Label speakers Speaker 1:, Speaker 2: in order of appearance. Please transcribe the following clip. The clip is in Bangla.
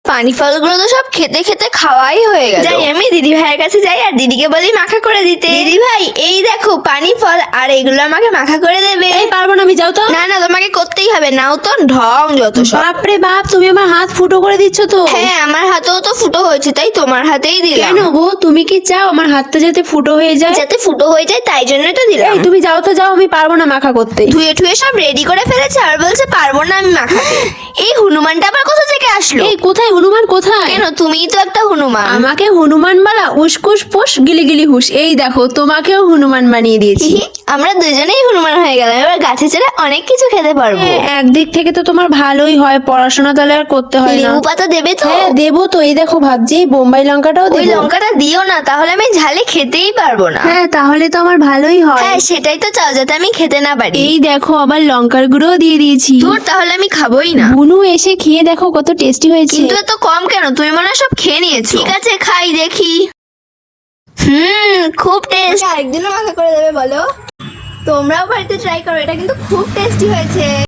Speaker 1: পানি ফলগুলো তো সব খেতে খেতে খাওয়াই হয়ে গেল। যাই আমি দিদি ভাইয়ের কাছে যাই আর দিদিকে বলি মাখা করে দিতে। দিদি ভাই এই দেখো পানি ফল আর এগুলো আমাকে মাখা করে দেবে।
Speaker 2: এই পারবো না, আমি যাও তো।
Speaker 1: না না তোমাকে করতেই হবে, নাও তো ঢং যত সব।
Speaker 2: বাপরে বাপ, তুমি আমার হাত ফুটো করে দিচ্ছ তো।
Speaker 1: হ্যাঁ আমার হাতেও তো ফুটো হয়েছে তাই তোমার হাতেই দিলাম।
Speaker 2: কেন বউ, তুমি কি চাও আমার হাতটা যাতে ফুটো হয়ে যায়?
Speaker 1: যাতে ফুটো হয়ে যায় তাই জন্যই তো দিলাম।
Speaker 2: এই তুমি যাও তো, যাও, আমি পারবো না মাখা করতে।
Speaker 1: ধুয়ে ঠুয়ে সব রেডি করে ফেলেছে আর বলছে পারবো না আমি মাখাতে। এই হনুমানটা আবার কোথা থেকে আসলো?
Speaker 2: এই কোথায় হনুমান, কোথায়?
Speaker 1: কেন তুমিই তো একটা হনুমান।
Speaker 2: আমাকে হনুমান বলা? উসকুস পোষ গিলি গিলি হুস। এই দেখো তোমাকেও হনুমান বানিয়ে দিয়েছি।
Speaker 1: আমরা দুজনেই হনুমান হয়ে গেলাম, এবার গাছে চড়ে অনেক কিছু খেতে পারবো।
Speaker 2: একদিক থেকে তো তোমার ভালোই হয়, পড়াশোনা তাহলে আর করতে হয় না।
Speaker 1: লেবু পাতা দেবে তো?
Speaker 2: হ্যাঁ দেবো তো, এই দেখো ভাবছি এই বোম্বাই লঙ্কাটাও
Speaker 1: ওই
Speaker 2: দেবো।
Speaker 1: লঙ্কাটা দিও না, তাহলে আমি ঝালে খেতেই পারবো না।
Speaker 2: হ্যাঁ তাহলে তো আমার ভালোই হয়।
Speaker 1: হ্যাঁ সেটাই তো চাও, যাতে আমি খেতে না পারি।
Speaker 2: এই দেখো আবার লঙ্কার গুঁড়োও দিয়ে দিয়েছি।
Speaker 1: ধুর, তাহলে আমি খাবোই না।
Speaker 2: বুনু এসে খেয়ে দেখো কত টেস্টি হয়েছে।
Speaker 1: কিন্তু এত কম কেন? তুমি মনে হয় সব খেয়ে নিয়েছো। ঠিক আছে খাই দেখি। খুব টেস্ট। আরেকদিনও মাখা করে দেবে বলো? তোমরাও বাড়িতে ট্রাই করো, এটা কিন্তু খুব টেস্টি হয়েছে।